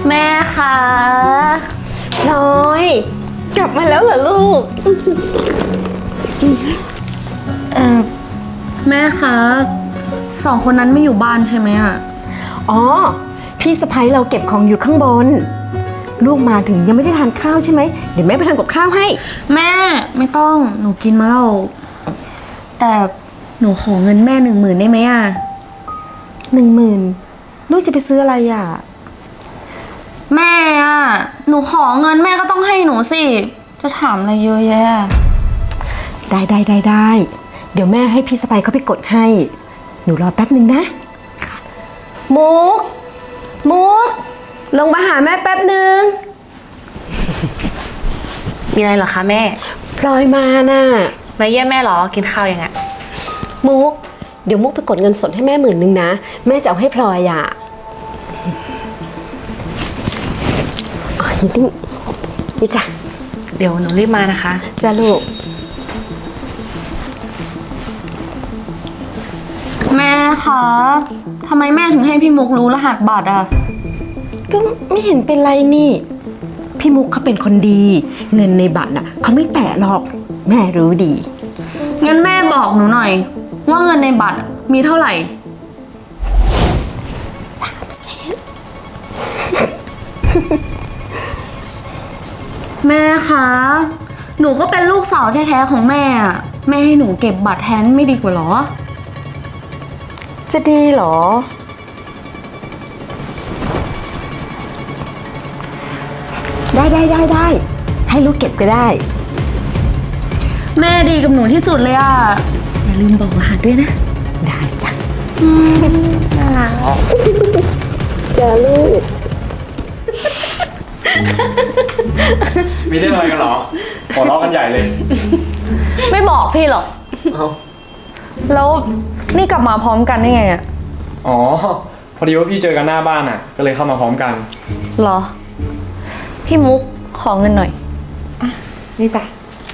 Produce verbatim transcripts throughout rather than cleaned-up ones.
แม่คะพลอยกลับมาแล้วเหรอลูกเออแม่คะสองคนนั้นไม่อยู่บ้านใช่ไหมอะอ๋อพี่สะพ้ยเราเก็บของอยู่ข้างบนลูกมาถึงยังไม่ได้ทานข้าวใช่ไหมเดี๋ยวแม่ไปทำกับข้าวให้แม่ไม่ต้องหนูกินมาแล้วแต่หนูขอเงินแม่หนึ่งหมื่นได้ไหมอะหนึ่งหมื่นลูกจะไปซื้ออะไรอ่ะแม่อะหนูขอเงินแม่ก็ต้องให้หนูสิจะถามอะไรเยอะแยะได้ได้ได้ได้เดี๋ยวแม่ให้พี่สะพ้ยเขาไปกดให้หนูรอแป๊บหนึ่งนะมุกมุกลงมาหาแม่แป๊บหนึ่งมีอะไรเหรอคะแม่พลอยมาน่ะมาเยี่ยมแม่เหรอกินข้าวยังไงมุกเดี๋ยวมุกไปกดเงินสดให้แม่หมื่นหนึ่งนะแม่จะเอาให้พลอยอ่ะอ๋อนี่นี่จ้ะเดี๋ยวหนูรีบมานะคะจ้ะลูกแม่คะทำไมแม่ถึงให้พี่มุกรู้รหัสบัตรอ่ะก็ไม่เห็นเป็นไรนี่พี่มุกเขาเป็นคนดีเงินในบัตรน่ะเขาไม่แตะหรอกแม่รู้ดีงั้นแม่บอกหนูหน่อยว่าเงินในบัตรมีเท่าไหร่สามแสนแม่คะหนูก็เป็นลูกสาวแท้ๆของแม่แม่ให้หนูเก็บบัตรแทนไม่ดีกว่าหรอจะดีหรอได้ได้ได้ได้ให้ลูกเก็บก็ได้แม่ดีกับหนูที่สุดเลยอ่ะอย่าลืมบอกรหัสด้วยนะได้จ้ะน่ารักจ้าลูกมีเรื่องอะไรกันเหรอหัวเราะกันใหญ่เลยไม่บอกพี่หรอกแล้วนี่กลับมาพร้อมกันได้ไงอ่ะอ๋อพอดีว่าพี่เจอกันหน้าบ้านอ่ะก็เลยเข้ามาพร้อมกันเหรอพี่มุกขอเงินหน่อยนี่จ้ะ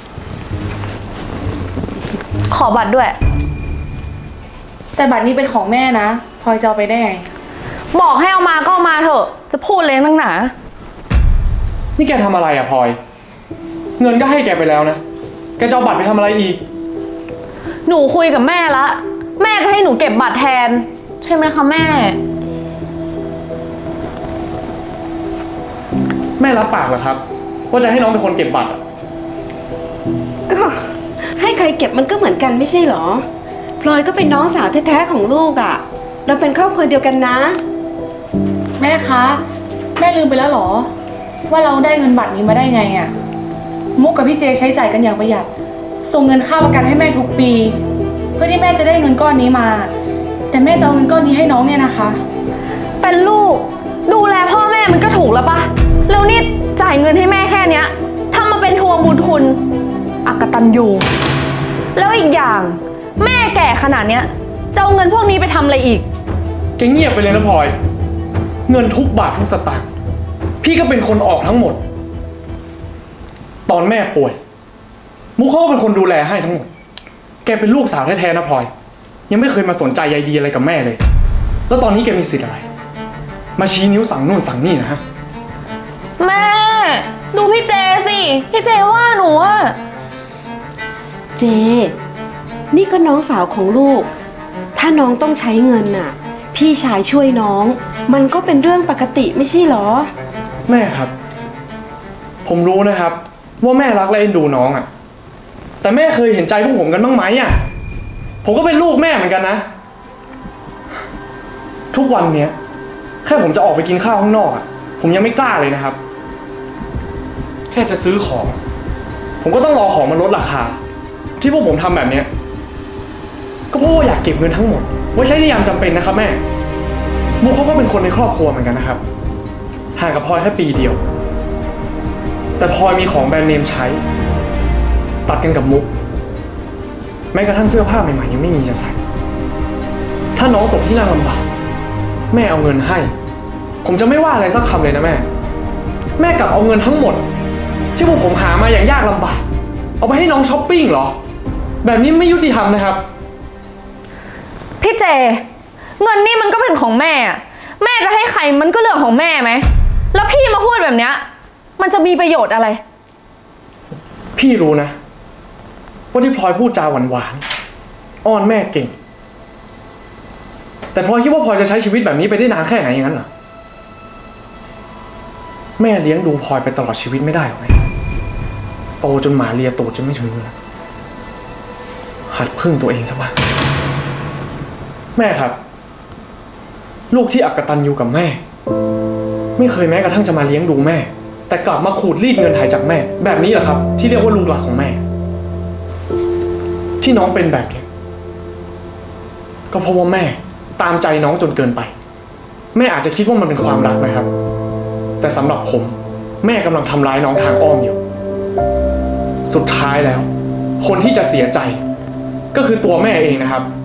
ขอบัตรด้วยแต่บัตรนี้เป็นของแม่นะพลอยจะเอาไปได้ไงบอกให้เอามาก็เอามาเถอะจะพูดเลยนักหนานี่แกทำอะไรอ่ะพลอยเงินก็ให้แกไปแล้วนะแกจะเอาบัตรไปทำอะไรอีกหนูคุยกับแม่ละแม่จะให้หนูเก็บบัตรแทนใช่ไหมคะแม่แม่รับปากเหรอครับว่าจะให้น้องเป็นคนเก็บบัตรก็ให้ใครเก็บมันก็เหมือนกันไม่ใช่หรอพลอยก็เป็นน้องสาวแท้ๆของลูกอ่ะเราเป็นครอบครัวเดียวกันนะแม่คะแม่ลืมไปแล้วหรอว่าเราได้เงินบัตรนี้มาได้ไงอ่ะมุกกับพี่เจใช้จ่ายกันอย่างประหยัดส่งเงินค่าประกันให้แม่ทุกปีเพื่อที่แม่จะได้เงินก้อนนี้มาแต่แม่จะเอาเงินก้อนนี้ให้น้องเนี่ยนะคะเป็นลูกดูแลพ่อแม่มันก็ถูกแล้วปะแล้วนี่จ่ายเงินให้แม่แค่เนี้ยทำมาเป็นทวงบุญคุณอกตัญญูแล้วอีกอย่างแม่แก่ขนาดเนี้ยจะเอาเงินพวกนี้ไปทำอะไรอีกแกเงียบไปเลยนะพลอยเงินทุกบาททุกสตางค์พี่ก็เป็นคนออกทั้งหมดตอนแม่ป่วยมุกเขาก็เป็นคนดูแลให้ทั้งหมดแกเป็นลูกสาวแท้ๆนะพลอยยังไม่เคยมาสนใจใยดีอะไรกับแม่เลยแล้วตอนนี้แกมีสิทธิ์อะไรมาชี้นิ้วสั่งนู่นสั่งนี่นะฮะแม่ดูพี่เจสิพี่เจว่าหนูอะเจนี่ก็น้องสาวของลูกถ้าน้องต้องใช้เงินน่ะพี่ชายช่วยน้องมันก็เป็นเรื่องปกติไม่ใช่หรอแม่ครับผมรู้นะครับว่าแม่รักและเอ็นดูน้องอ่ะแต่แม่เคยเห็นใจพวกผมกันบ้างไหมอ่ะผมก็เป็นลูกแม่เหมือนกันนะทุกวันเนี้ยแค่ผมจะออกไปกินข้าวข้างนอกอ่ะผมยังไม่กล้าเลยนะครับแค่จะซื้อของผมก็ต้องรอของมันลดราคาที่พวกผมทำแบบเนี้ยก็เพราะว่าอยากเก็บเงินทั้งหมดไว้ใช้ในยามจำเป็นนะครับแม่มุกเขาก็เป็นคนในครอบครัวเหมือนกันนะครับห่างกับพลอยแค่ปีเดียวแต่พลอยมีของแบรนด์เนมใช้ตัดกันกับมุกแม้กระทั่งเสื้อผ้าใหม่ๆยังไม่มีจะใส่ถ้าน้องตกที่นั่งลำบากแม่เอาเงินให้ผมจะไม่ว่าอะไรสักคำเลยนะแม่แม่กลับเอาเงินทั้งหมดที่พวกผมหามาอย่างยากลำบากเอาไปให้น้องช้อปปิ้งเหรอแบบนี้ไม่ยุติธรรมนะครับพี่เจเงินนี่มันก็เป็นของแม่แม่จะให้ใครมันก็เรื่องของแม่ไหมแล้วแบบเนี้ยมันจะมีประโยชน์อะไรพี่รู้นะว่าที่พลอยพูดจาหวานๆอ้อนแม่เก่ง แต่พลอยคิดว่าพลอยจะใช้ชีวิตแบบนี้ไปได้นานแค่ไหนอย่างนั้นเหรอแม่เลี้ยงดูพลอยไปตลอดชีวิตไม่ได้หรอกไหมโตจนหมาเลียตูดจนไม่ถึงมือหัดพึ่งตัวเองซะบ้างแม่ครับ ลูกที่อักตันอยู่กับแม่ ไม่เคยแม้กระทั่งจะมาเลี้ยงดูแม่ แต่กลับมาขูดรีดเงินไถ่จากแม่ แบบนี้แหละครับ ที่เรียกว่าลูกหลักของแม่ ที่น้องเป็นแบบนี้ก็เพราะว่าแม่ตามใจน้องจนเกินไป แม่อาจจะคิดว่ามันเป็นความรักนะครับ แต่สำหรับผม แม่กำลังทำร้ายน้องทางอ้อมอยู่ สุดท้ายแล้ว คนที่จะเสียใจ ก็คือตัวแม่เองนะครับ